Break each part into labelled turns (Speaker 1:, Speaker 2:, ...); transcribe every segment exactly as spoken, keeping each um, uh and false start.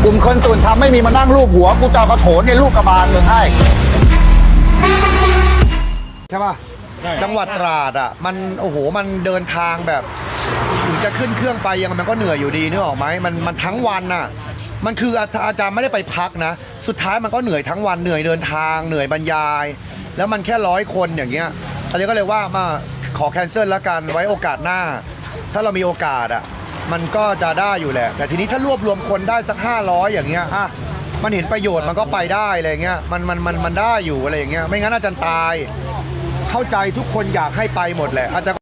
Speaker 1: กลุ่มคนตื่นทำไม่มีมานั่งรูปหัวกูจะเอากระโถนในลูกกระบาลมึงให้ใช่ป่ะจังหวัดตราดอ่ะมันโอ้โหมันเดินทางแบบถึงจะขึ้นเครื่องไปยังมันก็เหนื่อยอยู่ดีนึกออกไหมมันมันทั้งวันน่ะมันคืออาจารย์ไม่ได้ไปพักนะสุดท้ายมันก็เหนื่อยทั้งวันเหนื่อยเดินทางเหนื่อยบรรยายแล้วมันแค่ร้อยคนอย่างเงี้ยอาจารย์ก็เลยว่ามาขอแคนเซิลแล้วกันไว้โอกาสหน้าถ้าเรามีโอกาสอ่ะมันก็จะได้อยู่แหละแต่ทีนี้ถ้ารวบรวมคนได้สักห้าร้อยอย่างเงี้ยอ่ะมันเห็นประโยชน์มันก็ไปได้อะไรเงี้ยมันมันมันมันได้อยู่อะไรอย่างเงี้ยไม่งั้นอาจารย์ตายเข้าใจทุกคนอยากให้ไปหมดแหละอาจารย์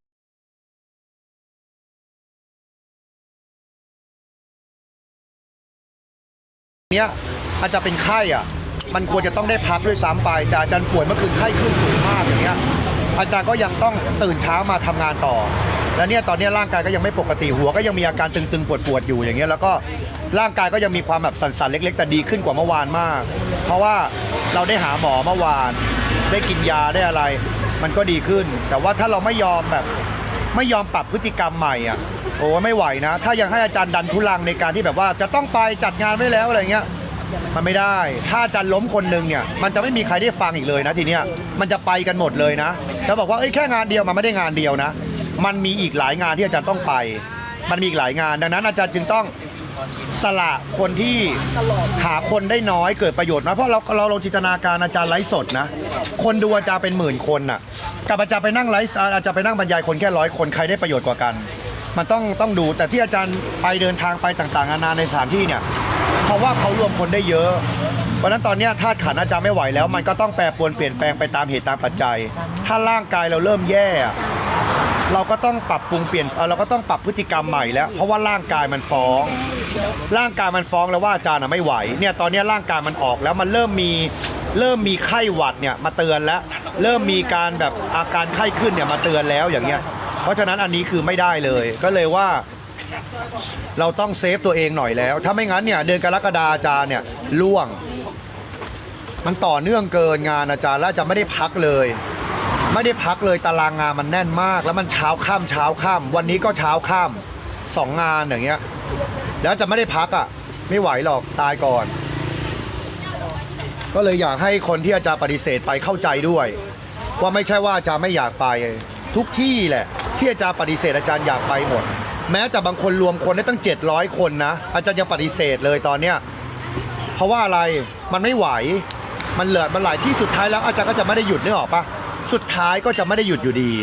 Speaker 1: เนี้ยอาจจะเป็นไข้อ่ะมันควรจะต้องได้พักด้วยซ้ำไปแต่อาจารย์ป่วยเมื่อคืนไข้ขึ้นสูงมากอย่างเงี้ยอาจารย์ก็ยังต้องตื่นเช้ามาทำงานต่อแล้วเนี่ยตอนนี้ร่างกายก็ยังไม่ปกติหัวก็ยังมีอาการตึงๆปวดๆอยู่อย่างเงี้ยแล้วก็ร่างกายก็ยังมีความแบบสั่นๆเล็กๆแต่ดีขึ้นกว่าเมื่อวานมากเพราะว่าเราได้หาหมอเมื่อวานได้กินยาได้อะไรมันก็ดีขึ้นแต่ว่าถ้าเราไม่ยอมแบบไม่ยอมปรับพฤติกรรมใหม่อ่ะโอ้ไม่ไหวนะถ้ายังให้อาจารย์ดันทุลังในการที่แบบว่าจะต้องไปจัดงานไว้แล้วอะไรเงี้ยมันไม่ได้ถ้าอาจารย์ล้มคนนึงเนี่ยมันจะไม่มีใครได้ฟังอีกเลยนะทีเนี้ยมันจะไปกันหมดเลยนะจะบอกว่าเอ้ยแค่งานเดียวมันไม่ได้งานเดียวนะมันมีอีกหลายงานที่อาจารย์ต้องไปมันมีอีกหลายงานดังนั้นอาจารย์จึงต้องสละคนที่หาคนได้น้อยเกิดประโยชน์นะเพราะเราเราลองจินตนาการอาจารย์ไลฟ์สดนะคนดูอาจารย์เป็นหมื่นคนน่ะกับอาจารย์ไปนั่งไลฟ์อาจารย์ไปนั่งบรรยายคนแค่ร้อยคนใครได้ประโยชน์กว่ากันมันต้องต้องดูแต่ที่อาจารย์ไปเดินทางไปต่างๆนานาในสถานที่เนี่ยเพราะว่าเขารวมคนได้เยอะเพราะฉะนั้นตอนนี้ธาตุขันธ์อาจารย์ไม่ไหวแล้วมันก็ต้องแปรปรวนเปลี่ยนแปลงไปตามเหตุตามปัจจัยถ้าร่างกายเราเริ่มแย่เราก็ต้องปรับปรุงเปลี่ยนเราก็ต้องปรับพฤติกรรมใหม่แล้วเพราะว่าร่างกายมันฟ้องร่างกายมันฟ้องแล้วว่าอาจารย์ไม่ไหวเนี่ยตอนนี้ร่างกายมันออกแล้วมันเริ่มมีเริ่มมีไข้หวัดเนี่ยมาเตือนแล้วเริ่มมีการแบบอาการไข้ขึ้นเนี่ยมาเตือนแล้วอย่างเงี้ยเพราะฉะนั้นอันนี้คือไม่ได้เลยก็เลยว่าเราต้องเซฟตัวเองหน่อยแล้วถ้าไม่งั้นเนี่ยเดือนกรกฎาอาจารย์เนี่ยล่วงมันต่อเนื่องเกินงานอาจารย์แล้วจะไม่ได้พักเลยไม่ได้พักเลยตารางงานมันแน่นมากแล้วมันเช้าค่ำเช้าค่ำวันนี้ก็เช้าค่ำสองงานอย่างเงี้ยแล้วจะไม่ได้พักอ่ะไม่ไหวหรอกตายก่อนก็เลยอยากให้คนที่อาจารย์ปฏิเสธไปเข้าใจด้วยว่าไม่ใช่ว่าอาจารย์ไม่อยากไปทุกที่แหละที่อาจารย์ปฏิเสธอาจารย์อยากไปหมดแม้แต่บางคนรวมคนได้ตั้งเจ็ดร้อยคนนะอาจารย์ยังปฏิเสธเลยตอนเนี้ยเพราะว่าอะไรมันไม่ไหวมันเหลือมันหลายที่สุดท้ายแล้วอาจารย์ก็จะไม่ได้หยุดนึกออกปะสุดท้ายก็จะไม่ได้หยุดอยู่ดี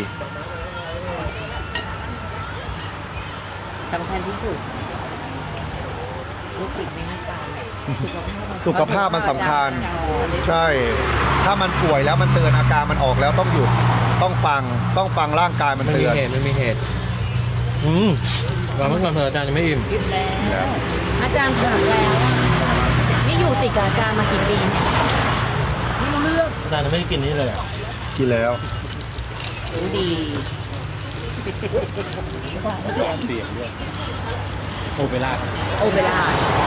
Speaker 2: สำคัญที่สุดลูกศิษย์ไม่ให้ไป
Speaker 1: สุขภาพมันสำคัญใช่ถ้ามันป่วยแล้วมันเตือนอาการมันออกแล้วต้องหยุดต้องฟังต้องฟังร่างกายมันเตือน
Speaker 3: ไม่มีเหตุไม่มีเหตุอืมเราเมื่อก่อนเธออาจารย์ยังไม่อิ่ม
Speaker 2: แล้วอาจารย์ถามแล้วนี่อยู่ติดกับอาจารย์มากี่ปีเนี่ยไม่รู้เรื่อง
Speaker 3: อาจารย์ไม่ได้กินนี่เลย
Speaker 1: กินแล้ว
Speaker 2: รู้ดี
Speaker 3: เสียงด้วยโอเปร่า
Speaker 2: โอเปร่า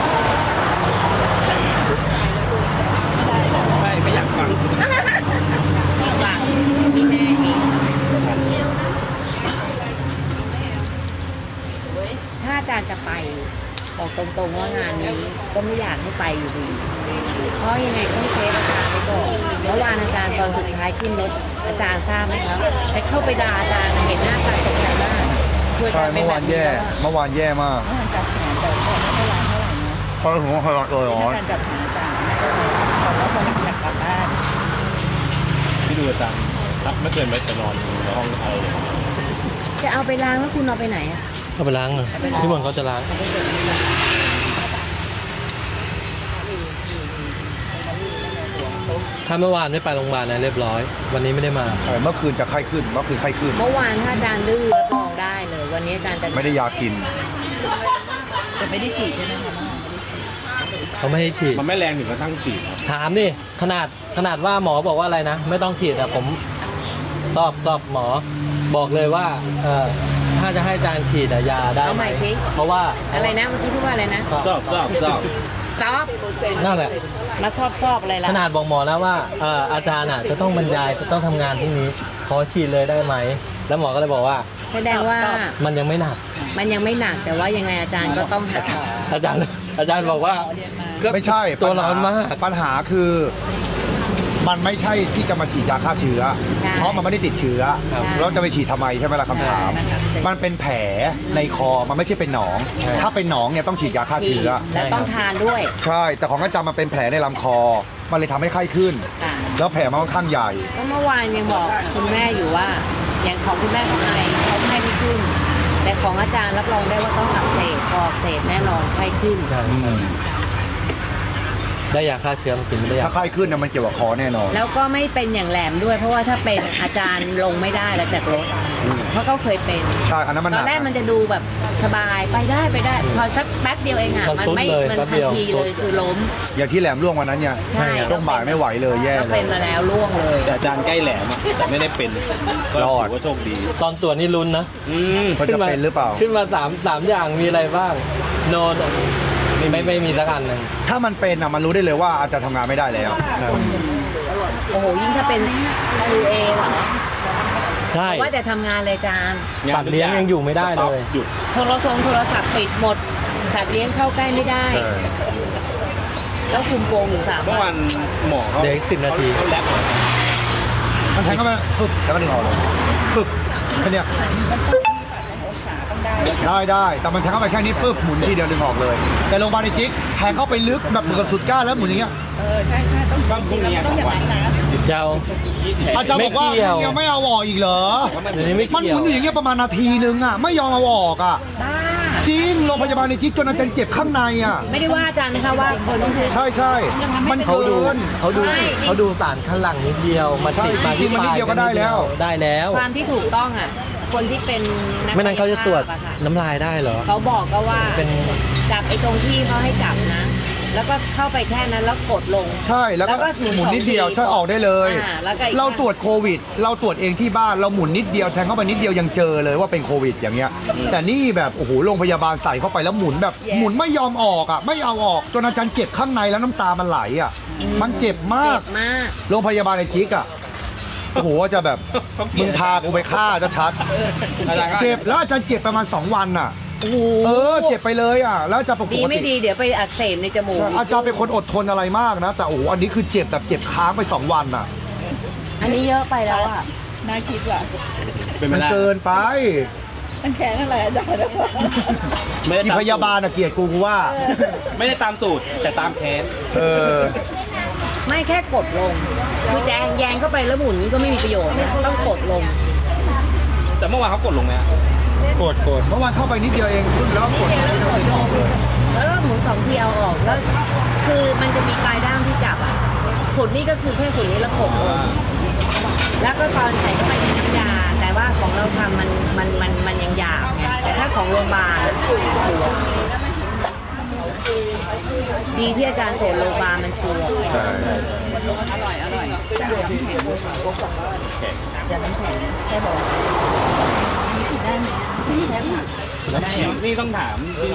Speaker 3: ไม่ไม่อยากฟัง
Speaker 2: ฟังมีแม่มีถ้าอาจารย์จะไปบอกตรงๆว่างานนี้ก็ไม่อยากให้ไปอยู่ดีเพราะยังไงต้องเซฟอาจารย์ไปก่อนเมื่อวานอาจารย์ตอนสุดท้ายขึ้นรถอาจารย์ทราบไหมครับจะเข้าไปด่าอาจารย์เห็นหน้าตาตกใจมาก
Speaker 1: ใช่เมื่อวานแย่เมื่อวานแย่มาก
Speaker 2: จัดหาแต่ก็ไม่ได้ร้านเท่าไหร่นะ
Speaker 1: เพราะถึงว่าเขาตัวร้อน
Speaker 2: การจัดหาอาจารย์บอกว่าคนอยากกลับบ้าน
Speaker 3: ที่ดูอาจารย์รับไม่เกินไปจะนอนในห้องอะไร
Speaker 2: จะเอาไปล้างแล้วคุณเอาไปไหนอ่ะ
Speaker 3: เอาไปล้างเลยพี่บอลเขาจะล้างถ้าเมื่อวานไม่ไปโรงพยาบาลนะเรียบร้อยวันนี้ไม่ได้มา
Speaker 1: ใช่เมื่อคืนจะไข้ขึ้นเมื่อคืนไข้ขึ้น
Speaker 2: เมื่อวานถ้าอาจารย์ดื้อรับรองได้เลยวันนี้อาจารย์จะ
Speaker 1: ไม่ได้ยากิน
Speaker 2: แต่ไม่ได้ฉีดใช่ไหมคะ
Speaker 3: เขาไม่ให้ฉีด
Speaker 4: มันไม่แรงถึงกระทั่งฉีด
Speaker 3: ถามดิขนาดขนาดว่าหมอบอกว่าอะไรนะไม่ต้องฉีดแต่ผมตอบตอบหมอบอกเลยว่าเออถ้าจะให้อาจารย์ฉีดยาได้ไหมเพราะว่า
Speaker 2: อะไรนะเมื่อกี้พูดว่าอะไรนะ
Speaker 4: ซอบซอบซอบ
Speaker 2: stop
Speaker 3: นั่นแหละ
Speaker 2: มาซอบซอบอะไรล่ะ
Speaker 3: ขนาดบอกหมอแล้วว่าเอออาจารย์อ่ะจะต้องบรรยายจะต้องทำงานพรุ่งนี้ขอฉีดเลยได้ไหมแล้วหมอก็เลยบอกว่า
Speaker 2: แสดงว่า
Speaker 3: มันยังไม่หนัก
Speaker 2: มันยังไม่หนักแต่ว่ายังไงอาจารย์ก็ต้องหา
Speaker 3: อาจารย์อาจารย์บอกว่าก็
Speaker 1: ไม่ใช่
Speaker 3: ตัว
Speaker 1: ปัญห
Speaker 3: ร้อนมาก
Speaker 1: ปัญหาคือ มันไม่ใช่ที่จะมาฉีดยาฆ่าเชื้อ
Speaker 2: ใช่
Speaker 1: เพราะมันไม่ได้ติดเชื้อ
Speaker 3: ครับ
Speaker 1: เราจะไปฉีดทำไมใช่ไหมล่ะคำถาม
Speaker 2: ใช่
Speaker 1: มันเป็นแผลในคอมันไม่ใช่เป็นหนอง
Speaker 3: ใช่
Speaker 1: ถ้าเป็นหนองเนี่ยต้องฉีดยาฆ่า
Speaker 2: ฉี
Speaker 1: เชื้
Speaker 2: ด
Speaker 1: อ
Speaker 2: แล้วต้องทานด้วย
Speaker 1: ใช่ แต่ของอาจารย์มันเป็นแผลในลำคอ มันเลยทำให้ไข้ขึ้น
Speaker 2: ค่ะ
Speaker 1: แล้วแผลมันค่อนข้างใหญ่
Speaker 2: ก็เมื่อวานยังบอกคุณแม่อยู่ว่า อย่างของคุณแม่ของไอเขาไข้ไม่ขึ้น แต่ของอาจารย์รับรองได้ว่าต้องอักเสบพออักเสบแน่นอนไข้ขึ้น
Speaker 3: ใช่ได้ยาฆ่าเชื้อมากินไม่ได้ยา
Speaker 1: ถ้าไข้ขึ้นเนี่ยมันเกี่ยวกับคอแน่นอน
Speaker 2: แล้วก็ไม่เป็นอย่างแหลมด้วย เพราะว่าถ้าเป็นอาจารย์ลงไม่ได้แล้วจากรถเพราะเขาเคยเป็น
Speaker 1: ใช่ อันนั้นมัน
Speaker 2: ต
Speaker 1: ห
Speaker 2: อ
Speaker 1: นั
Speaker 2: น
Speaker 1: ก
Speaker 2: แรกมันจะดูแบบสบายไปได้ไปได้ พอสักแป๊บเดียวเองอ่ะ
Speaker 3: มัน
Speaker 2: มัน
Speaker 3: ซุด
Speaker 2: ไม่
Speaker 3: เลย
Speaker 2: มัน
Speaker 3: แป๊บ
Speaker 2: ทั
Speaker 3: เดี
Speaker 2: น
Speaker 3: ยว
Speaker 2: ทีเลยคือล้ม
Speaker 1: อย่างที่แหลมร่วงวันนั้นเนี่ย
Speaker 2: ใช่
Speaker 1: ต้องบ่ายไม่ไหวเลยแย่
Speaker 2: ก็
Speaker 1: เล
Speaker 2: เป็
Speaker 1: ย
Speaker 2: นมาแล้วล่วงเลย
Speaker 4: แต่อาจารย์ใกล้แหลมอะแต่ไม่ได้เป็นก็
Speaker 1: รอด
Speaker 4: ถือว่าโชคดี
Speaker 3: ตอนตรวจนี่ลุ้นนะ
Speaker 4: อืม
Speaker 1: มันจะเป็นหรือเปล่า
Speaker 3: ขึ้นมาสามสามอย่างมีอะไรบ้างโนนไม่ไม่ไม่มีสักอันหนึ่ง
Speaker 1: ถ้ามันเป็นอ่ะมันรู้ได้เลยว่าอาจจะทำงานไม่ได้แล้ว
Speaker 2: โอ้โหยิ่งถ้าเป็น คิว เอ เหรอ
Speaker 3: ใช่
Speaker 2: ว่าแต่ทำงานเลยจาน
Speaker 3: สัตว์เลี้ยงยังอยู่ไม่ได้เลย
Speaker 4: หยุด
Speaker 2: โทรศัพท์โทรศัพท์ปิดหมด สัตว์เลี้ยงเข้าใกล้ไม่ได้
Speaker 1: ใช่
Speaker 2: แล้วคุมโปงอยู่สาม
Speaker 4: เมื่อ
Speaker 2: วั
Speaker 4: วัน นหมอเขา
Speaker 3: เดี๋ยวอีกสิบนาที
Speaker 4: เขาแลบ
Speaker 1: มันแทงเข้าไปปึ๊บแล้วก็ดึงออกเลยปึ๊บแค่เนี้ยได้ได้แต่มันแทงเข้าไปแค่นี้ปึ๊บหมุนทีเดียวดึงออกเลย แต่โรงพยาบาลในจิ๊กแทงเข้าไปลึกแบบเหมือนกับสุดก้านแล้วหมุนอย่างเงี้ย
Speaker 4: บ้างพรุ่งนี้สองวัน
Speaker 3: เจ้า
Speaker 1: อาจารย์บอกว่า
Speaker 3: ไม่เกี่ยว
Speaker 1: ยังไม่เอาออกอีกเหรอ
Speaker 3: เดี๋ยวนี้ไม่
Speaker 1: มันห
Speaker 3: เกี่ย
Speaker 1: มุ
Speaker 3: วน
Speaker 1: อยู่อย่างเงี้ยประมาณนาทีนึงอ่ะไม่ยอมเอาออกอ่ะ
Speaker 2: บ้า
Speaker 1: จริงโรงพยาบาลในจิ๊กจนอาจารย์เจ็บข้างในอ่ะ
Speaker 2: ไม่ได้ว่าอาจารย์นะคะว่าคนที่คือ
Speaker 1: ใช่ใช่มัน
Speaker 3: เขาดู
Speaker 1: เกิน
Speaker 3: เขาดู
Speaker 2: ไม่
Speaker 3: เขาดูสารข้างหลังนิดเดียวมาติด
Speaker 1: ใช่
Speaker 3: มาที่
Speaker 1: จริงๆมันนิดเดียวก็ได้แล้ว
Speaker 3: ได้แล้ว
Speaker 2: ความที่ถูกต้องอ่ะ คนที่เป็นนัก
Speaker 3: ไม่นั้นเขาจะตรวจ
Speaker 2: กายภาพอะค่ะ
Speaker 3: น้ำลายได้เหรอ
Speaker 2: เขาบอกก็ว่า
Speaker 3: เป็น
Speaker 2: จับไอ้ตรงที่เขาให้จับนะ แล้วก็เข้าไปแค่นั้นแล้วกดลง
Speaker 1: ใช่แล้วก็
Speaker 2: แล้วก็หมุน
Speaker 1: หมุนนิดเดียว
Speaker 2: สองที
Speaker 1: ใช่ออกได้เลย
Speaker 2: อ่าแล้วก็อีก
Speaker 1: เราตรวจโควิด เราตรวจเองที่บ้านเราหมุนนิดเดียวแทงเข้าไปนิดเดียวยังเจอเลยว่าเป็นโควิดอย่างเงี้ย แต่นี่แบบโอ้โหโรงพยาบาลใส่เข้าไปแล้วหมุนแบบหมุนไม่ยอมออกอ่ะไม่เอาออกจนอาจารย์เจ็บข้างในแล้วน้ำตามันไหลอ่ะมันเจ็บมาก
Speaker 2: เจ็บมาก
Speaker 1: โรงพยาบาลในจิ๊กอ่ะโอ้โหจะแบบมึงพากูไปฆ่าจะชัด
Speaker 4: อาจารย์ก็
Speaker 1: เจ็บแล้วอาจารย์เจ็บประมาณสองวันอ่ะ
Speaker 2: โอ้โห
Speaker 1: เออเจ็บไปเลยอ่ะแล้วอาจารย์ปก
Speaker 2: ดี
Speaker 1: ติ
Speaker 2: ไม่ดีเดี๋ยวไปอักเสบในจมูก
Speaker 1: อาจารย์เป็นคนอดทนอะไรมากนะ แต่โอ้โหอันนี้คือเจ็บแบบเจ็บค้างไปสองวันอ่ะ
Speaker 2: อันนี้เยอะไปแล้วอ่ะ
Speaker 5: น่าคิดว่ะ
Speaker 4: เป็นไป
Speaker 1: มัน
Speaker 4: ได้
Speaker 1: เกินไป
Speaker 5: มันแค้นอะไรอาจารย์
Speaker 4: ไม่ได้
Speaker 1: อี
Speaker 4: ตาม
Speaker 1: พยาบาลอ่ะเกลียดกูกูว่า
Speaker 4: ไม่ได้ตามสูตรแต่ตามแค้น
Speaker 1: เออ
Speaker 2: ไม่แค่กดลง คือแจงแยงเข้าไปแล้วหมุนนี่ก็ไม่มีประโยชน์นะต้องกดลง
Speaker 4: แต่เมื่อวานเขากดลงไหมอะ
Speaker 1: กดกดเมื่อวานเข้าไปนิดเดียวเองขึ้นแล้วกด
Speaker 2: นิดเดียวแล้วกดลง แล้วก็หมุนสองทีเอาออกแล้ว คือมันจะมีปลายด้ามที่จับอ่ะสุดนี่ก็คือแค่สุดนี้แล้วกดลง แล้วก็ตอนใส่เข้าไปในน้ำยา แต่ว่าของเราทำมันมันมันมันยังหยาบไงแต่ถ้าของโรงพยาบาลอะชัวร์ดีที่อาจารย์ตรวจโรงพยาบาลมันชัวร์
Speaker 1: ใช่
Speaker 4: นี่ต้องถามที่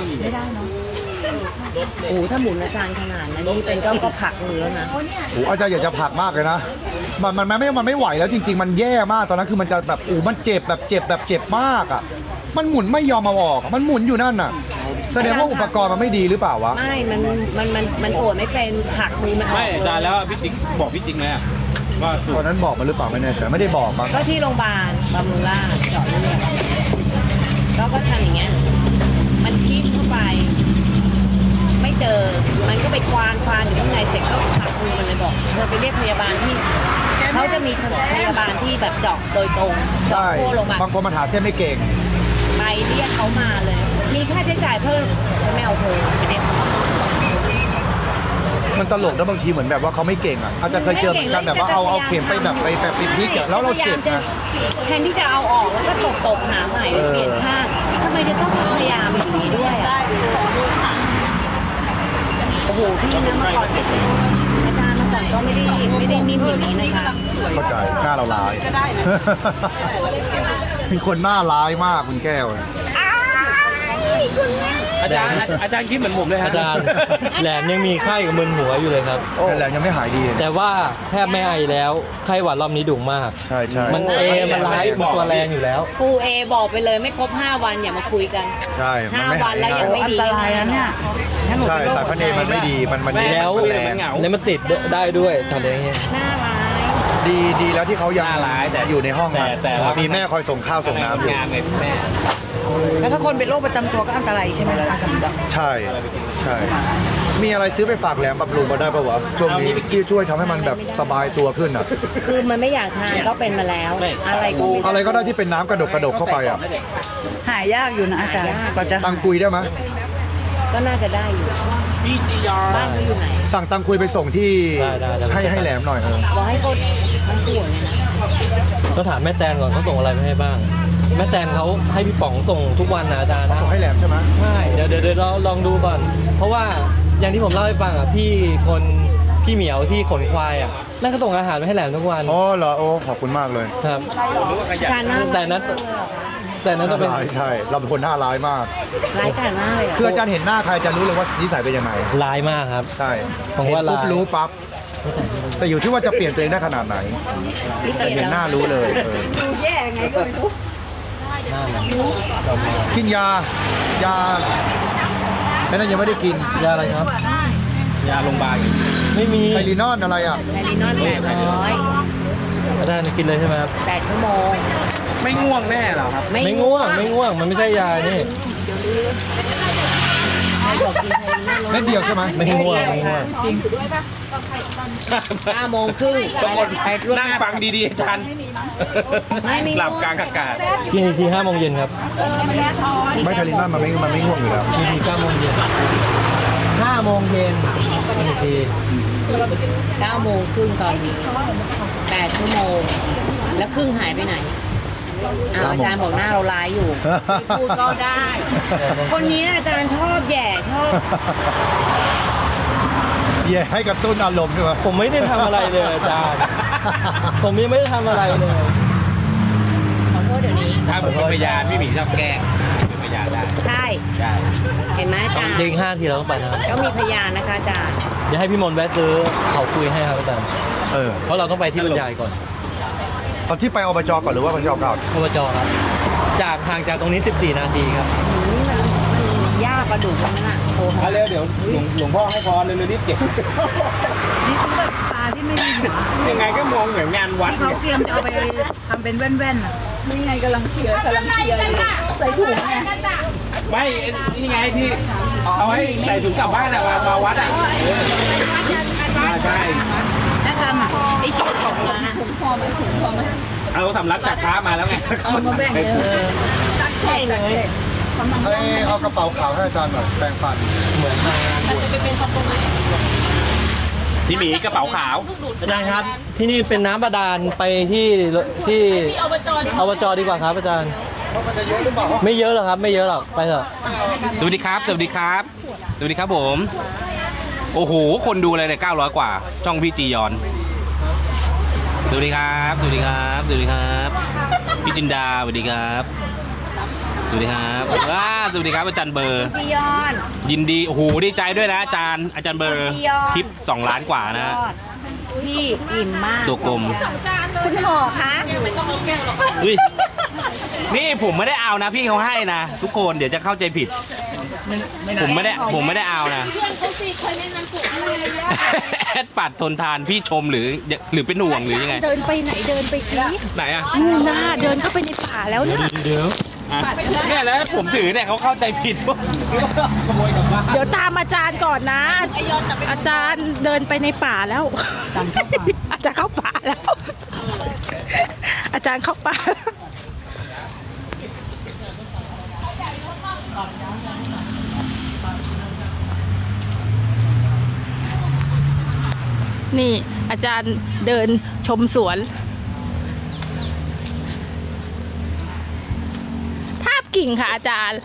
Speaker 2: โอ้โหถ้าหมุนอาจารย์ขนาดนั้นนี่เป็นก็ก็ผลักมือแล้วนะ
Speaker 1: โอ้อาจารย์อยากจะผลักมากเลยนะ มันมันมันไม่มันไม่ไหวแล้วจริง ๆ มันแย่มากตอนนั้นคือมันจะแบบโอ้มันเจ็บแบบเจ็บแบบเจ็บมากอ่ะ มันหมุนไม่ยอมมาออกอะมันหมุนอยู่นั่นน่ะ แสดงว่าอุปกรณ์มันไม่ดีหรือเปล่าวะ
Speaker 2: ไม่ มันมันมันมันโอดไม่เป็นผลักมือมันออก
Speaker 4: ไม่อาจารย์แล้วพี่ติ๊กบอกพี่ติ๊กไหมอะว่าสู
Speaker 1: ต
Speaker 4: ต
Speaker 1: อน
Speaker 4: ร
Speaker 1: นั้นบอกมันหรือเปล่าไม่แน่ใจไม่ได้บอกมั้ง
Speaker 2: ก็ที่โรงพยาบาลบำรุงราษฎร์เจาะเลือดแล้วก็ทำอย่างเงี้ย มันจิ้มเข้าไป ไม่เจอ มันก็ไปควานควานอยู่ข้างในเสร็จก็ผลักมือมันเลยบอก เธอไปเรียกพยาบาลที่ เขาจะมีพยาบาลที่แบบเจาะโดยตรงเจาะ
Speaker 1: ใช่
Speaker 2: ทั่วโรงพยาบาล
Speaker 1: บางคนมันหาเส้นไม่เก่ง
Speaker 2: ไปเรียกเขามาเลย มีค่าใช้จ่ายเพิ่มฉันไม่เอาเธอไปเรียกเขามา
Speaker 1: มันตลกนะบางทีเหมือนแบบว่าเขาไม่เก่งอ่ะอาจจะเคยเจอเหมือนกันแบบว่าเอาเอาเข็มไปแบบไปแบบไปพลิกอ่ะแล้วเราเจ็บนะ
Speaker 2: แทนที่จะเอาออกแล้วก็ตบตบๆหาใหม่หรือเปลี่ยนข้างทำไมจะต้องพยายามอย่างนี้ด้วยอ่ะโอ้โหพี่นะเมื่อก่อนอาจารย์เมื่อก่อนก็ไม่ได้ไม่ได้นิ่มอย่างนี้นะคะ
Speaker 1: เข้าใจหน้าเราร้ายเป็นคนหน้าร้ายมากคุณแก้วเนี่ย
Speaker 2: อ้ายคุณแม่
Speaker 4: อาจารย์อาจารย์คิดเหมือนผมเลยฮะ
Speaker 3: อาจารย์แหลมยังมีไข้กับมึนหัวอยู่เลยครับ
Speaker 1: แต่แหลมยังไม่หายดี
Speaker 3: แต่ว่าแทบไม่ไอแล้วไข้หวัดรอบนี้ดุมาก
Speaker 1: ใช่ใช่
Speaker 3: มันเอมันร้ายมันตัวแรงอยู่แล้ว
Speaker 2: ครูเอบอกไปเลยไม่ครบห้าวันอย่ามาคุยกัน
Speaker 1: ใช่มัน
Speaker 2: ห้า
Speaker 1: ไม่
Speaker 2: วั
Speaker 1: หาย
Speaker 2: นแล้ว
Speaker 1: ง่า
Speaker 2: ยัง
Speaker 1: ย
Speaker 2: ไม่ดี
Speaker 5: อันตรายนะเนี่ยงั้นหนู
Speaker 1: ใช่
Speaker 5: เป็นโรค
Speaker 1: สายพันธุ์เอมันไม่ดีมันมัน
Speaker 3: แล้ว
Speaker 1: มันแรง
Speaker 3: แล้วมันติดได้ด้วยทำอะไรอย่างเงี้ย
Speaker 2: หน้าร้าย
Speaker 1: ดีดีแล้วที่เขายัง
Speaker 4: น่าร้ายแต่
Speaker 1: อยู่ในห้อง
Speaker 4: แต่
Speaker 1: อะ
Speaker 4: แต่ว่า
Speaker 1: มีแม่คอยส่งข้าวส่งน้ำอยู่
Speaker 4: งานไงแม่
Speaker 5: แล้วถ้าคนเป็นโรคประจำตัวก็อันตรายใช่ไหมคะอาจารย์
Speaker 1: ใช่ใช่ มีอะไรซื้อไปฝากแหลมบำรุงมาได้ปะวะช่วงนี้ที่ช่วยทำให้มันแบบสบายตัวขึ้นอ่ะ
Speaker 2: คือมันไม่อยากทานก็เป็นมาแล้ว อะไรก็ไม่
Speaker 1: อะไรก็ได้ที่เป็นน้ำกระดกกระดกเข้าไปอ่ะ
Speaker 5: หายากอยู่นะอาจารย์กว่าจะ
Speaker 1: ตังกุยได้ไหม
Speaker 2: ก็น่าจะได้อยู่
Speaker 4: พี่จียอน
Speaker 2: บ้านเขาอยู่ไหน
Speaker 1: สั่งตังกุยไปส่งที่
Speaker 3: ได้ได้ได้
Speaker 1: ให้ให้แหลมหน่อยเออ
Speaker 2: บอกให้เขาทั้งตัวเลยนะ
Speaker 3: ต้องถามแม่แตนก่อนเขาส่งอะไรมาให้บ้าง แม่แตนเขาให้พี่ป๋องส่งทุกวันนะอาจารย์
Speaker 1: ส่งให้แหลมใช่ไหม
Speaker 3: ใช่เดี๋ยวเดี๋ยวเดี๋ยวเราลองดูก่อน เพราะว่าอย่างที่ผมเล่าให้ฟังอ่ะพี่คนพี่เหมียวที่ขนควายอ่ะนั่นก็ส่งอาหารมาให้แหลมทุกวัน
Speaker 1: อ๋อเหรอโอ้ขอบคุณมากเลย
Speaker 3: ครับ
Speaker 2: การน่า
Speaker 3: แต่นั้นแต่นั้นต้องเป็น
Speaker 1: ร้ายใช่ เราเป็นคนหน้าร้ายมาก
Speaker 2: ร้ายกาจมากเลยอะ
Speaker 1: คืออาจารย์เห็นหน้าใครจะรู้เลยว่านิสัยเป็นยังไง
Speaker 3: ร้ายมากครับ
Speaker 1: ใช่
Speaker 3: ผมว่า
Speaker 1: เห็นปุ๊บ
Speaker 3: ร้าย
Speaker 1: รู้ปั๊บ แต่อยู่ที่ว่าจะเปลี่ยนตัวเองได้ขนาดไหน
Speaker 2: พี่
Speaker 1: แต่
Speaker 2: เก
Speaker 1: เห็นหน้ารู้เลยเออ
Speaker 5: ดูแย่ไงก็ไม่รู้
Speaker 3: หน้ามันดำมาก
Speaker 1: กินยา ยาแค่นั้นยังไม่ได้กิน
Speaker 3: ยาอะไรครับ
Speaker 4: ยาโรงพยาบาล
Speaker 3: ไม่มี
Speaker 1: ไทลีนอนอะไรอ่ะ
Speaker 2: ไทลินอนแปดร้อย
Speaker 3: อาจารย์กินเลยใช่ไหมครับ
Speaker 2: แปดชั่วโมง
Speaker 4: ไม่ง่วงแน่หรอครับ
Speaker 3: ไม่ง่วงไม่ง่วงมันไม่ใช่ยานี่
Speaker 2: ใครบอกกินไทลินอน
Speaker 1: เม็ดเดียวใช่ไหม
Speaker 3: ไม่ง่วงไม่ง่วง
Speaker 2: ห้าโมงครึ่ง
Speaker 4: ทุกคนนั่งฟังดีๆอาจารย์
Speaker 2: ไม่มี
Speaker 4: หลับกลางอากาศ
Speaker 3: กินอีกทีห้าโมงเย็นครับ
Speaker 1: ไม่ไทลีนอนมันไม่มันไม่ง่วงอยู่แล้ว
Speaker 3: กินอีกเก้าโมงเย็นห้าโมงเย็นกินอีกที
Speaker 2: เก้าโมงครึ่งตอนนี้แปดชั่วโมง แล้วครึ่งหายไปไหนอ้าวอาจารย์บอกหน้าเราร้ายอยู่พี่พูดก็ได้ คนนี้อาจารย์ชอบแหย่ชอบ
Speaker 1: เย่ให้กระตุ้นอารมณ์ด้วยวะ
Speaker 3: ผมไม่ได้ทำอะไรเลยอาจารย์ ผมยังไม่ได้ทำอะไรเลย
Speaker 2: ขอโทษเดี๋ยวนี้
Speaker 4: ถ้าผมเป็นพยานพี่หมีชอบแกล้งเป็นพยานได้
Speaker 2: ใช่
Speaker 4: ได้
Speaker 2: เห็นไหมอาจารย์
Speaker 3: เด้งห้าทีเราต้องไปนะครับ
Speaker 2: ก็มีพยานนะคะอาจารย์
Speaker 3: เดี๋ยวให้พี่มนต์แวะซื้อเขาคุยให้ครับอาจารย์
Speaker 1: เออ
Speaker 3: เพราะเราต้องไปที่บรรยายก่อน
Speaker 1: เอาที่ไปอบจก่อนหรือว่าอบจก่อน
Speaker 3: อบจครับ จากห่างจากตรงนี้สิบสี่นาทีครับ
Speaker 2: นี่มันมันยากกระดูกตรงนั้นอ่ะโทร
Speaker 4: เอาเร็วเดี๋ยวหลวงหลวงพ่อให้พรเร็วๆรีบเก็บ
Speaker 5: นี่คือแบบปลาที่ไม่มีหัว
Speaker 4: ยังไงก็มองเหมือนงานวัด
Speaker 5: ที่เขา
Speaker 4: เนี่ย
Speaker 5: เตรียมจะเอาไปทำเป็นแว่นๆอ่ะนี่ไงกำลังเคลียร์กำลังเคลียร์อยู่ใส่ถุงไง
Speaker 4: ไม่นี่ไงที่เอาให้ใส่ถุงกลับบ้านอะมามาวัดอะเอออ่าใช่
Speaker 5: อาจารย์อ่ะ
Speaker 2: ไอ้ชุดของมา
Speaker 5: ถุงพอไหมถุงพอไหม
Speaker 4: เอาสำรับจากพระมาแล้วไง
Speaker 5: เอามาแบ่งเลยตักใช่เลย
Speaker 1: ให้เอากระเป๋าขาวให้อาจารย์หน่อยแปรงฟัน
Speaker 3: เหมือนทางงานบวช
Speaker 4: พี่หมีกระเป๋าขาว
Speaker 3: อาจารย์ครับ ที่นี่เป็นน้ำบาดาลไปที่ที่อบจดีกว่าครับอาจารย์
Speaker 1: เพราะมันจะเยอะหรือเปล่า
Speaker 3: ไม่เยอะหรอกครับ ไม่เยอะหรอก ไปเถอะ
Speaker 4: สวัสดีครับ สวัสดีครับ สวัสดีครับผม โอ้โห คนดูเลยเนี่ยเก้าร้อยกว่า ช่องพี่จียอน สวัสดีครับ สวัสดีครับ สวัสดีครับ พี่จินดา สวัสดีครับ สวัสดีครับว้าสวัสดีครับอาจารย์เบอร์
Speaker 2: จียอน
Speaker 4: ยินดี โอ้โห ดีใจด้วยนะอาจารย์ อาจารย์เบอร์
Speaker 2: จียอน
Speaker 4: คลิปสองล้านกว่านะ
Speaker 2: พี่อิ่มมาก
Speaker 4: ตัวกลม
Speaker 2: คุณห่อคะ
Speaker 4: อุ้ย นี่ผมไม่ได้เอานะ พี่เขาให้นะ ทุกคนเดี๋ยวจะเข้าใจผิด ผมไม่ได้ผมไม่ได้เอานะแอดปัดทนทานพี่ชมหรือหรือเป็นห่วงหรือยังไง
Speaker 6: เดินไปไหนเดินไปสิ
Speaker 4: ไหนอ่ะ
Speaker 6: นู่นน่ะเดินเข้าไปในป่าแล้วนะ
Speaker 3: เดี๋ยว
Speaker 4: อ่ะเนี่ยแล้วผมถือเนี่ยเขาเข้าใจผิดว่าขโมยกลับบ้าน
Speaker 6: เดี๋ยวตามอาจารย์ก่อนนะ อาจารย์เดินไปในป่าแล้ว อาจารย์เข้าป่าแล้ว อาจารย์เข้าป่า นี่อาจารย์เดินชมสวน ทาบกิ่งค่ะอาจารย์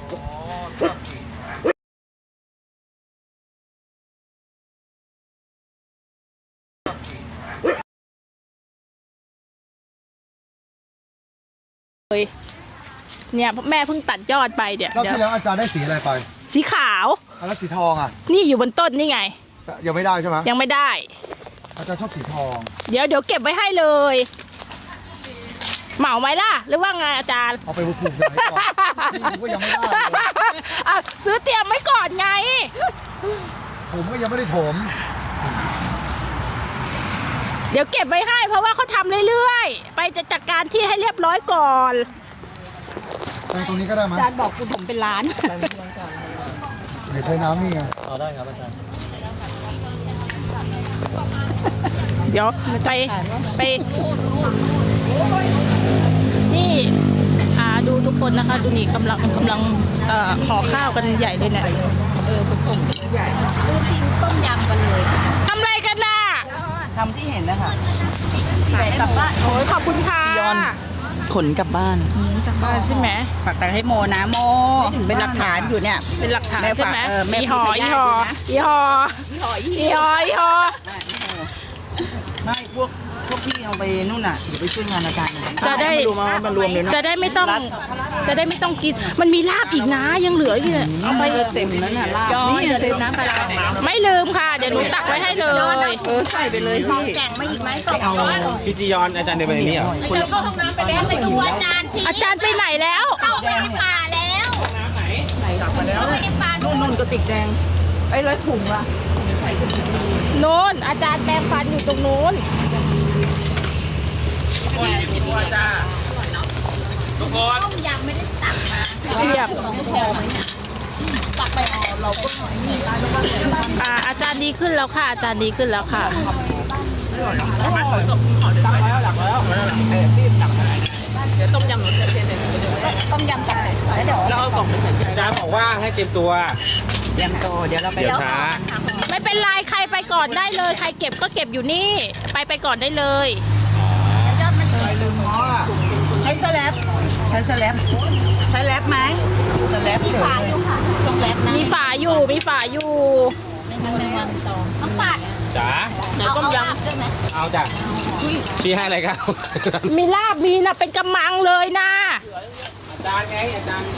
Speaker 6: เนี่ยแม่เพิ่งตัดยอดไปเดี๋ยว
Speaker 1: รอบ
Speaker 6: เดี๋ยว
Speaker 1: ที่แล้วอาจารย์ได้สีอะไรไป
Speaker 6: สีขาว
Speaker 1: อันนั้นสีทองอ่ะ
Speaker 6: นี่อยู่บนต้นนี่ไง
Speaker 1: ยังไม่ได้ใช่ไหม
Speaker 6: ยังไม่ได้
Speaker 1: อาจารย์ชอบสีทอง
Speaker 6: เดี๋ยวเดี๋ยวเก็บไว้ให้เลย เหมาไหมล่ะ หรือว่าไงอาจารย์
Speaker 1: เอาไปปลูกยังไงก่อนผมก็ยังไม่ได้เลย
Speaker 6: อ่ะซื้อเตรียมไว้ก่อนไง
Speaker 1: ผมก็ยังไม่ได้ถม
Speaker 6: เดี๋ยวเก็บไว้ให้เพราะว่าเขาทำเรื่อยๆ ไปจะจัดการที่ให้เรียบร้อยก่อน
Speaker 1: แต่ตรงนี้ก็ได้มั้ย
Speaker 6: อาจารย์บอกคุณผมเป็นล้าน
Speaker 1: เดี๋ยวใช้น้ำนี่ไง
Speaker 3: เอาได้ครับอาจารย์
Speaker 6: เดี๋ยวไปไป นี่อ่าดูทุกคนนะคะ ดูนี่กำลังกำลังเอ่อห่อข้าวกันใหญ่เลยเนี่ยเออผสมใหญ่ดูทีมต้มยำกันเลยทำอะไรกันล่ะ
Speaker 5: ทำที่เห็นนะคะขายกลับบ้าน
Speaker 6: โอ้ยขอบคุณค่ะ
Speaker 5: ขนกลับบ้าน
Speaker 6: จากบ้านใช่ไหม
Speaker 5: ฝากตังค์ให้โมนะโม เป็นหลักฐานอยู่เนี่ย
Speaker 6: เป็นหลักฐาน
Speaker 5: แม่
Speaker 6: ใช่
Speaker 5: ฝาก
Speaker 6: ไหม
Speaker 5: เออแม่
Speaker 6: อีหอ
Speaker 5: พูด
Speaker 6: อี
Speaker 5: ไม่
Speaker 6: หอ
Speaker 5: ได้นะ
Speaker 6: อีหออีหออีหอ
Speaker 5: ไม่พวกพวกพี่เอาไปนู่นน่ะเดี๋ยวไปช่วยงานอาจารย์
Speaker 6: จะได้
Speaker 5: มารวมมามารวมเลยเนาะ
Speaker 6: จะได้ไม่ต้อง จะได้ไม่ต้องกิน มันมีลาบอีกนะยังเหลืออยู่เนี่ยเอาไป
Speaker 5: เต็มนั้นน่ะลาบนี่อย่าลืมน้ำปลาร้า
Speaker 6: ไม่ลืมค่ะ เดี๋ยวหนูตักไว้ให้เลย
Speaker 5: เออใส่ไปเลยพี่แกงมาอีกไหมไปเอา
Speaker 4: พี่จียอนอาจารย์เดินไปนี่เหรอ
Speaker 5: คนละ
Speaker 6: ไปดูอาจารย์อาจารย์ไปไหนแล้ว
Speaker 5: นู่นนู่นกระติกแดงไอ้ร้อยถุงว่ะ
Speaker 6: โน้นอาจารย์แปรงฟันอยู่ตรงโน้น
Speaker 4: ทุกคน
Speaker 6: เรียบอ่าอาจารย์ดีขึ้นแล้วค่ะ อาจารย์ดีขึ้นแล้วค่ะ
Speaker 5: ต้มยำตักแล้วเดี๋ยวเราเอากล่องไปใส่
Speaker 4: อาจารย์บอกว่าให้เตรียมตัว
Speaker 5: เตรียมตัวเดี๋ยวเราไป
Speaker 4: เดี๋ยวช้า
Speaker 6: ไม่เป็นไรใครไปก่อนได้เลย ใครเก็บก็เก็บอยู่นี่ ไปไปก่อนได้เลย
Speaker 5: ใช้สแลบใช้สแลบใช้แลบไหมสแลบมีฝาอยู่ค่ะ
Speaker 6: มีฝาอยู่ มีฝาอยู่
Speaker 4: จ๋า
Speaker 6: ไหนต้มย
Speaker 4: เอาจ้ะพี่ให้อะไรครับ
Speaker 6: ำมีลาบมีนะเป็นกำมังเลยนะ
Speaker 4: อาจารย์ไงอาจารย์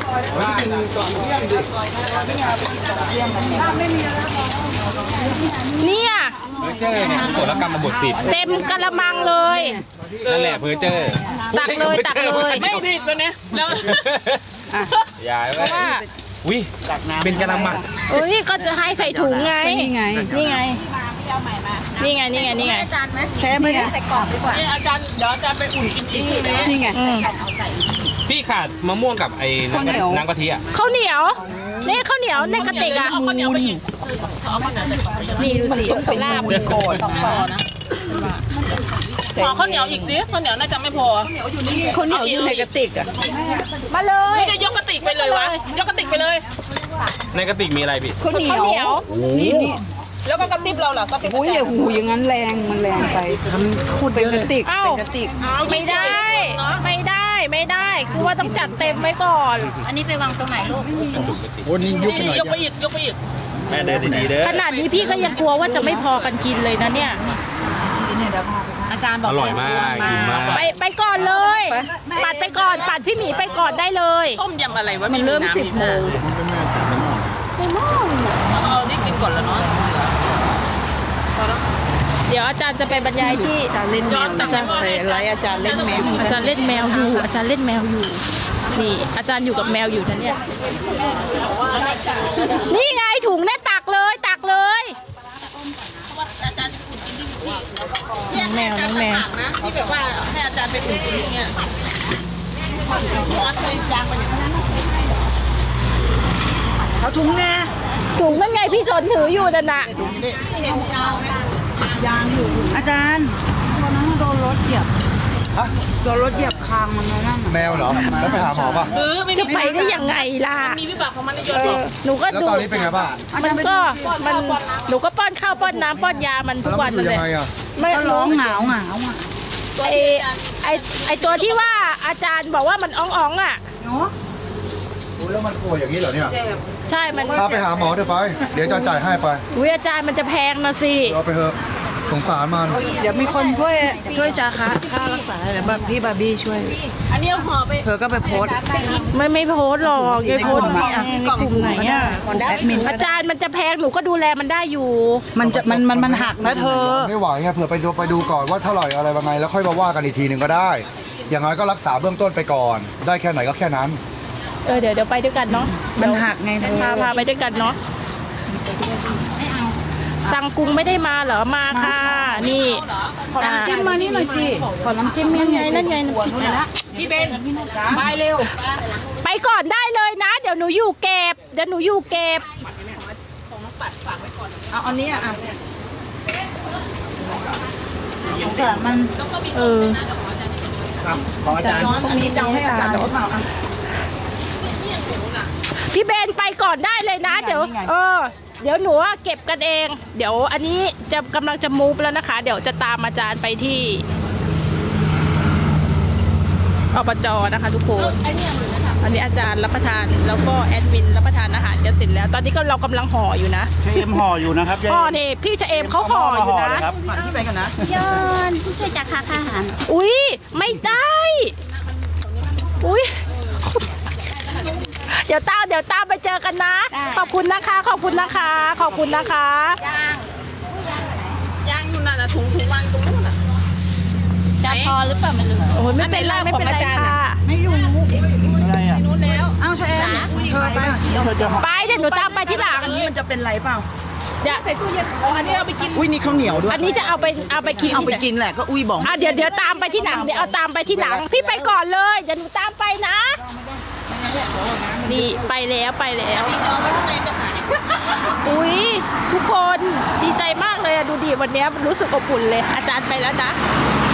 Speaker 6: เนี่ย
Speaker 4: เพอเจอร์เนี่ยโสรกรรมบทสิบ
Speaker 6: เต็มกระมังเลย
Speaker 4: นั่นแหละเพอเจอร์
Speaker 6: ตักเลยตักเลย
Speaker 4: ไม่ผิดตัวเนี้ยแล้วอย่า
Speaker 6: เพ
Speaker 4: ไป
Speaker 6: ราะว่า
Speaker 4: วิเป็นกระมัง
Speaker 6: เอ้ยก็จะให้ใส่ถุงไง
Speaker 5: นี่ไง
Speaker 6: นี่ไง นี่ไง นี่ไง นี่ไง
Speaker 5: แค่ไหมใส่กล่องดีกว่า
Speaker 6: นี่ไงอืม
Speaker 4: พี่ขาดมะม่วงกับไอ้น้ำกะน้ำกะทิอ่ะ
Speaker 6: ข้าวเหนียว นี่ข้าวเหนียวในกระติกอ่ะข้าวเหนียวไปอีกนี่ดูสิลาบ
Speaker 5: โกรธต่อนะ
Speaker 7: ขอข้าวเหนียวอีกสิข้าวเหนียวน่าจะไม่พอ
Speaker 5: คนเหนียวอยู่ในกระติกอ่ะ
Speaker 6: มาเลย
Speaker 7: นี่จะยกกระติกไปเลยวะ ยกกระติกไปเลย
Speaker 4: ในกระติกมีอะไรพี่
Speaker 5: ข้าวเหนียว
Speaker 6: ข้าวเหนียว
Speaker 5: นี่นี่
Speaker 7: แล้วก็กระติบเราเหรอกระติบ
Speaker 5: โอ้ยอย่าหูอย่างนั้นแรงมันแรงไปขุดเป็นกระติก
Speaker 6: เอ้า
Speaker 5: เป็นกระติก
Speaker 6: ไม่ได้ ไม่ได้ ไม่ได้ คือว่าต้องจัดเต็มไว้ก่อน
Speaker 7: อันนี้ไปวางตรงไหนลูก
Speaker 1: โอ้นี่ยุบไปหน่อย
Speaker 7: ยกไปอีก ยกไปอีก
Speaker 4: แม่เดินดีๆเด้อ
Speaker 6: ขนาดนี้พี่ก็ยังกลัวว่าจะไม่พอกันกินเลยนะเนี่ย
Speaker 7: อาจารย์บอก
Speaker 4: อร่อยมากกินมาก
Speaker 6: ไปไปก่อนเลย ปัดไปก่อน ปัดพี่หมีไปก่อนได้เลย
Speaker 7: ต้มยำอะไรวะ
Speaker 5: มันเริ่มสิบโมง
Speaker 7: เอานี่กินก่อนแล้วเนาะ
Speaker 6: เดี๋ยวอาจารย์จะไปบรรยายที่
Speaker 5: อาจารย์เล่นแมวอาจารย์อะไรอาจารย์เล่นแมว
Speaker 6: อาจารย์เล่นแมวอยู่ อาจารย์เล่นแมวอยู่ นี่อาจารย์อยู่กับแมวอยู่นะเนี่ย นี่ไงถุงเนี่ยตักเลยตักเลยน้องแมวน้องแมว
Speaker 7: นะที่แบบว่าให้อาจารย์ไปอุ่นกินเนี่ยวัดเลยจางไปเนี่ย
Speaker 5: เอาถุงแน่
Speaker 6: ถุงนั่นไงพี่สนถืออยู่นั่นน่ะ
Speaker 5: อาจารย์วันนั้นโดนรถเหยียบ
Speaker 1: ฮะ
Speaker 5: โดนรถเหยียบคางมันนั่นน่ะ
Speaker 1: แมวเหรอ แล้วไปหาหมอป่ะ
Speaker 7: เออไม่
Speaker 6: จะ
Speaker 7: มี
Speaker 6: ไปได้ยังไงล่ะ
Speaker 7: มีวิบากของมันในย
Speaker 6: เอ
Speaker 7: ศ
Speaker 6: อหนูก็
Speaker 1: แล้ว
Speaker 6: ดู
Speaker 1: ตอนนี้เป็นไงบ้าง
Speaker 6: มันก็มันหนูก็ป้อนข้าวป้อนน้ำป้อนยามันทุก
Speaker 1: แล้ว
Speaker 6: วั
Speaker 1: มัน นอยู่
Speaker 6: เล
Speaker 1: ยั
Speaker 6: ย
Speaker 1: งไงอ่ะ
Speaker 6: ไม่
Speaker 5: ก็ร้องเหงาเหงาอ่ะ
Speaker 6: ไอไอไอตัวที่ว่าอาจารย์บอกว่ามันอ่องๆอ่ะ
Speaker 5: เนาะ
Speaker 1: โอ้ยแล้วมันป่วยอย่างนี้เหรอเนี่ย
Speaker 5: เจ็บ
Speaker 6: ใช่มัน
Speaker 1: พาไปหาหมอเถอะไป เดี๋ยวจะจ่ายให้ไป
Speaker 6: อุ้ยอาจารย์มันจะแพงนะสิ
Speaker 1: เอาไปเถอะสงสารมัน
Speaker 5: เดี๋ยวมีคนช่วยช่วยจาคะค่ารักษาเดี๋ยวพี่บาร์บี้ช่วย
Speaker 7: อันนี้เอาห่อไป
Speaker 5: เธอก็ไปโพสต์
Speaker 6: ไม่ไม่โพสต์หรอกยายโพสต์
Speaker 5: ในกลุ่มไหนอ่ะแอดมิน
Speaker 6: อาจารย์มันจะแพงหนูก็ดูแลมันได้อยู่
Speaker 5: มันจะมันมันมันหักนะเธอ
Speaker 1: ไม่ไหวไงเผื่อไปดูไปดูก่อนว่าเท่าไหร่อะไรยังไงแล้วค่อยมาว่ากันอีกทีหนึ่งก็ได้ อย่างน้อยก็รักษาเบื้องต้นไปก่อน ได้แค่ไหนก็แค่นั้น
Speaker 6: เออเดี๋ยวเดี๋ยวไปด้วยกันเนาะ
Speaker 5: มันหักไงเธอ
Speaker 6: พาพาไปด้วยกันเนาะสั่งกุ้งไม่ได้มาเหรอมาค่ะ นี่อ่า
Speaker 5: จิ้มมานี่หน่อยสิขอน้ำจิ้ม
Speaker 6: นั่นไงนั่นไงนั่นไง
Speaker 7: พี่เบนไปเร็ว
Speaker 6: ไปก่อนได้เลยนะ เดี๋ยวหนูอยู่เก็บ เดี๋ยวหนูอยู่เก็บ
Speaker 5: เอาอันนี้อ่ะสงสารมัน
Speaker 6: เออ
Speaker 1: ของอาจารย์
Speaker 5: ตรงนี้จะเอาให้อาจารย์หรือเปล่าอ่ะ
Speaker 6: พี่เบนไปก่อนได้เลยนะ
Speaker 5: นี่ไง
Speaker 6: เดี๋ยว
Speaker 5: นี่ไง
Speaker 6: เออ เดี๋ยวหนูอะเก็บกันเอง เดี๋ยวอันนี้จะกำลังจะมูฟแล้วนะคะ เดี๋ยวจะตามอาจารย์ไปที่อบจนะคะทุกคน อันนี้อาจารย์รับประทานแล้วก็แอดมินรับประทานอาหารกันเสร็จแล้ว ตอนนี้ก็เรากำลังห่ออยู่นะ
Speaker 1: เอ็มห่ออยู่นะครับ
Speaker 6: ห่อนี่พี่ชะเอมเขาห่ออยู่นะ
Speaker 5: มาที่ไปกันนะ
Speaker 2: ยนผู้ช่วยจากค่าอาหาร
Speaker 6: อุ้ยไม่ได้ อุ้ยเดี๋ยวตามเดี๋ยวตามไปเจอกันนะ ขอบคุณนะคะ ขอบคุณนะคะ ขอบคุณนะคะ
Speaker 7: ย่างอยู่นั่นน่ะถุงถุงวางตรงนู้นน่ะ
Speaker 2: จะพอหรือเปล่าไม่รู้
Speaker 6: โอ้ยไม่เป็นไรไม่เป็นไรค่ะ
Speaker 5: ไม่รู้
Speaker 1: อะไรอ่ะ
Speaker 7: นู้นแล้ว
Speaker 5: อ้าวใช่เธอไป
Speaker 1: เธอจะห่อ
Speaker 6: ไปเดี๋ยวหนูตามไปที่หลัง
Speaker 5: อันนี้มันจะเป็นไรเปล่า
Speaker 6: เดี๋ยว
Speaker 7: ใส่ตู้เย็นเอาอันนี้เอาไปกิน
Speaker 5: อุ้ยนี่ข้าวเหนียวด้วย
Speaker 6: อันนี้จะเอาไปเอาไปกิน
Speaker 5: เอาไปกินแหละก็อุ้ยบอก
Speaker 6: อ่ะเดี๋ยวเดี๋ยวตามไปที่หลังเดี๋ยวเอาตามไปที่หลัง พี่ไปก่อนเลยเดี๋ยวหนูตามไปนะ นี่ไปแล้วไปแล้ว
Speaker 7: พี่จะเอาไว้ข้างในจะหาย
Speaker 6: อุ้ยทุกคนดีใจมากเลยอะดูดิวันนี้รู้สึกอบอุ่นเลย อาจารย์ไปแล้วนะ